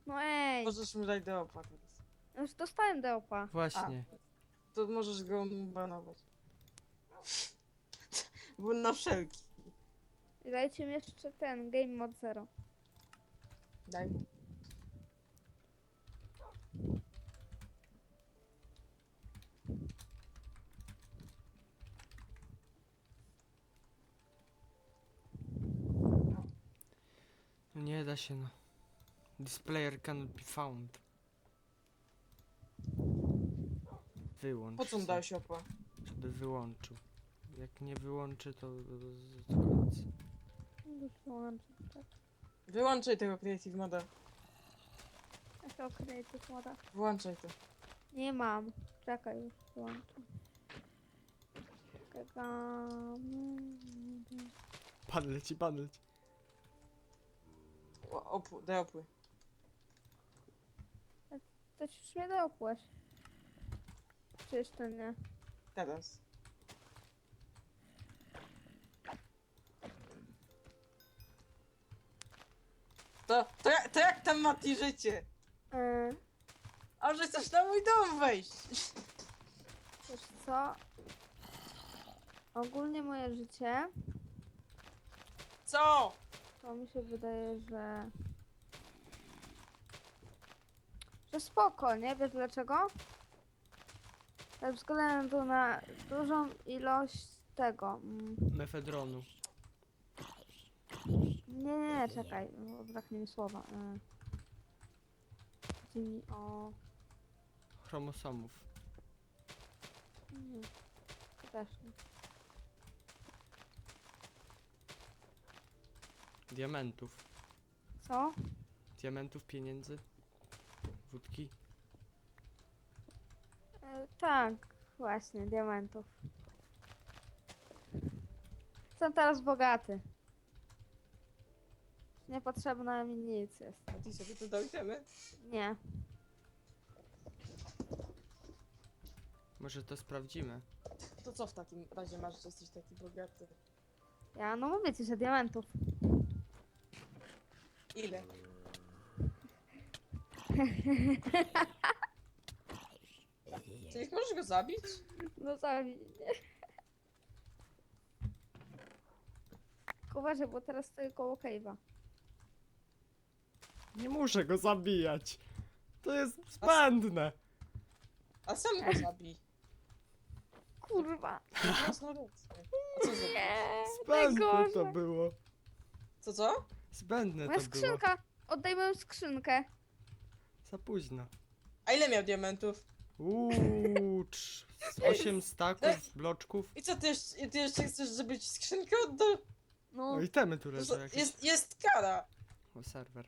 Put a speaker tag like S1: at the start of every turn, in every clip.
S1: No ej,
S2: Możesz mu dać deopa teraz.
S1: już dostałem deopa.
S3: Właśnie.
S2: To możesz go banować. Bo na wszelki.
S1: I dajcie mi jeszcze ten Game Mode 0.
S2: Daj mu.
S3: No nie da się, no. This player cannot be found. Wyłącz
S2: Po co mu
S3: se,
S2: dałeś opa?
S3: żeby wyłączył. Jak nie wyłączy, to koniec.
S1: Już wyłączę, tak.
S2: Wyłączaj tego Creative Moda.
S1: Jakiego Creative Moda?
S2: Włączaj to.
S1: Nie mam. Czekaj, już wyłączę. Czekamy.
S3: Pan leci, pan leci.
S2: Deopły.
S1: To już mnie doopłać. Czy jeszcze nie?
S2: Teraz. To jak tam Mati życie? A że chcesz na mój dom wejść?
S1: Wiesz co? Ogólnie moje życie,
S2: Co?
S1: to mi się wydaje, że spoko, nie? Wiesz dlaczego? Ze względu na dużą ilość tego.
S3: Mefedronu.
S1: Nie, czekaj, bo braknie mi słowa. Chodzi mi o...
S3: Chromosomów.
S1: To też nie.
S3: Diamentów.
S1: Co?
S3: Diamentów, pieniędzy. Wódki.
S1: Tak, właśnie, diamentów. Jestem teraz bogaty. Niepotrzebne mi nic jest.
S2: Mati sobie to dojdziemy?
S1: Nie.
S3: Może to sprawdzimy.
S2: To co w takim razie masz, że jesteś taki bogaty?
S1: Ja no mówię ci, że diamentów.
S2: Ile? Czyli możesz go zabić?
S1: No zabij. Uważaj, bo teraz stoję koło cave'a.
S3: Nie muszę go zabijać. To jest zbędne.
S2: A sam go zabij.
S1: Kurwa.
S2: Jasno rację. A co za...
S1: Nie,
S3: Zbędne to
S1: najgorzej.
S3: było.
S2: Co?
S3: Zbędne
S1: Moja
S3: to było.
S1: skrzynka. Oddaj moją skrzynkę.
S3: Za późno.
S2: A ile miał diamentów?
S3: Z 8 staków, bloczków.
S2: I co, ty jeszcze chcesz, żeby ci skrzynkę oddał?
S1: No.
S3: O, itemy tu leżą jakieś.
S2: Jest kara!
S3: O, serwer.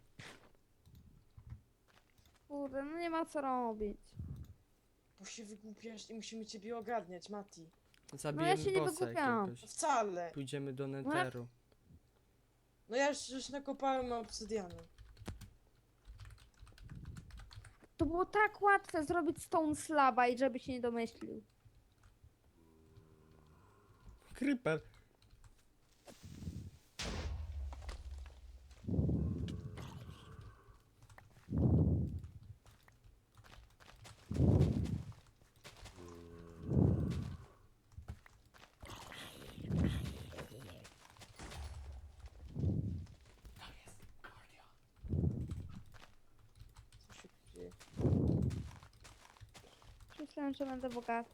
S1: Kurde, no nie ma co robić.
S2: Bo się wygłupiasz i musimy ciebie ogarniać, Mati.
S3: Zabijemy
S1: się nie
S3: bossa
S1: wygłupiałam.
S3: jakiegoś.
S2: Wcale!
S3: Pójdziemy do Netheru.
S2: No ja już nakopałem obsydianu.
S1: To było tak łatwe zrobić stone slaba i żeby się nie domyślił.
S3: Creeper.
S2: Co się dzieje?
S1: Myślałem, że będę bogaty.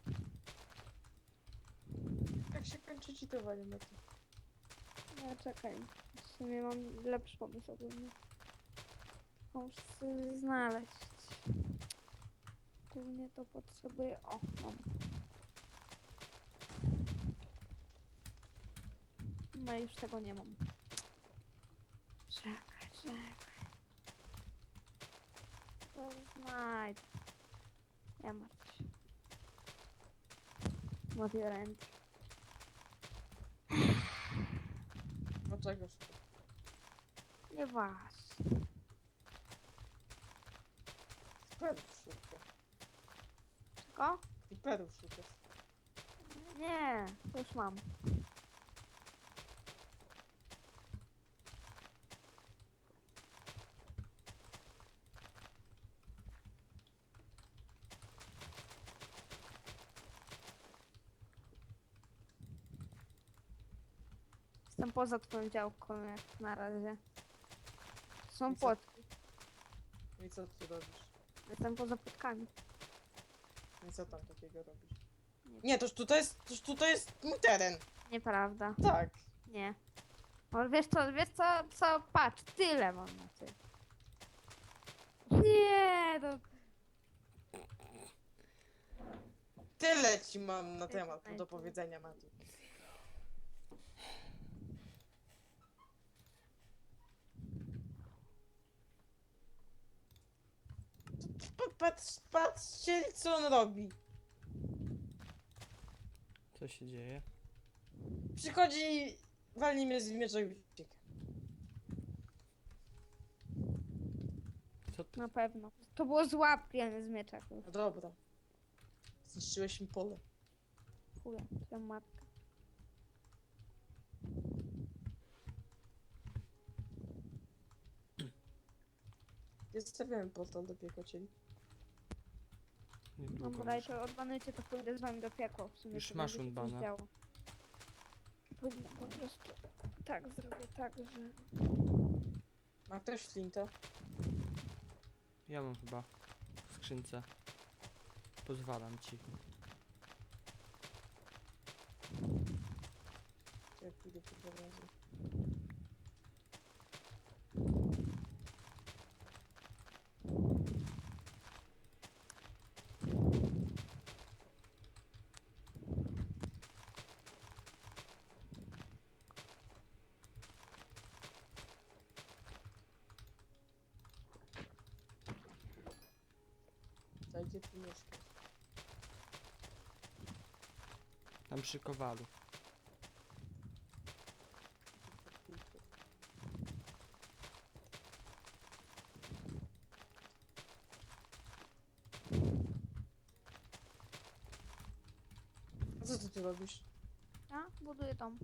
S2: Jak się kończy cheatowanie, Mati?
S1: Nie, czekaj. W sumie mam lepszy pomysł ogólnie. Muszę sobie znaleźć. Głównie to potrzebuję... O, mam. No i już tego nie mam. Czekaj. To znajdę. Nie martw się. Mod your end.
S2: Dlaczego?
S1: Nieważne.
S2: Perów szukasz.
S1: Czego?
S2: I perów szukasz.
S1: Nie, to już mam. Jestem poza twoją działką jak na razie. Są
S2: I co?
S1: płotki.
S2: I co ty robisz?
S1: Jestem poza płotkami.
S2: I co tam takiego robisz?
S1: Nie.
S2: Nie, toż tutaj jest mój teren.
S1: Nieprawda.
S2: Tak.
S1: Nie. Ale wiesz co, patrz, tyle mam na ty. Nie, no.
S2: Tyle ci mam na temat
S1: Znajdę.
S2: do powiedzenia, Mati. Patrzcie, co on robi.
S3: Co się dzieje?
S2: Przychodzi, walni mnie z miecza i ucieka.
S3: Co ty?
S1: Na pewno. To było z łapki, a nie z miecza.
S2: No dobra. Zniszczyłeś mi pole.
S1: Chuja, twoja matka.
S2: Ja zostawiałem portal do piekocieli.
S3: Niedługo
S1: Dobra, i
S3: muszę.
S1: to odbanujcie, to pójdę z wami do piekła. W sumie
S3: Już
S1: to
S3: masz
S1: będzie się coś
S3: unbana.
S1: działo. Powinno po prostu tak zrobię, tak, że...
S2: Ma ktoś flintę?
S3: Ja mam chyba w skrzynce. Pozwalam ci.
S2: Ja pójdę po dwa razy. Zajdzie tu mieszkać.
S3: Tam przy kowalu.
S2: A co ty tu robisz?
S1: A, buduję dom.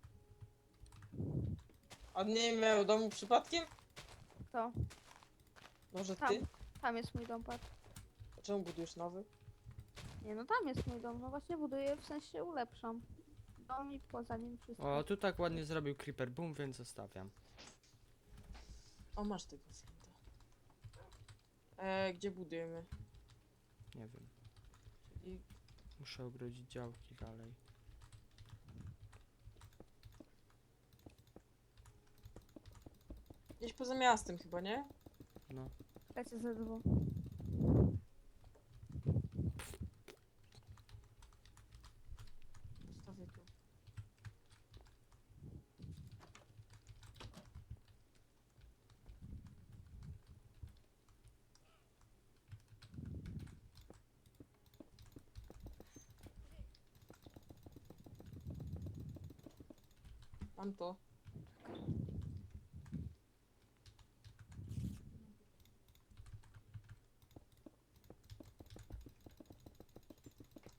S2: A nie miał domu przypadkiem?
S1: To,
S2: Może
S1: tam.
S2: ty?
S1: Tam jest mój dom, patrz.
S2: A czemu budujesz nowy?
S1: Nie, no tam jest mój dom, no właśnie buduję, w sensie ulepszam. Dom i poza nim wszystko.
S3: O, tu tak ładnie zrobił Creeper Boom, więc zostawiam.
S2: O, masz tego flinta. Gdzie budujemy?
S3: Nie wiem.
S2: I
S3: Muszę ogrodzić działki dalej.
S2: gdzieś poza miastem chyba, nie?
S3: No.
S1: Lecę ze dwóch.
S2: Zostawię tu. Mam to.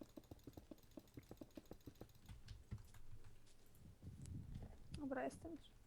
S1: Dobra, jestem już.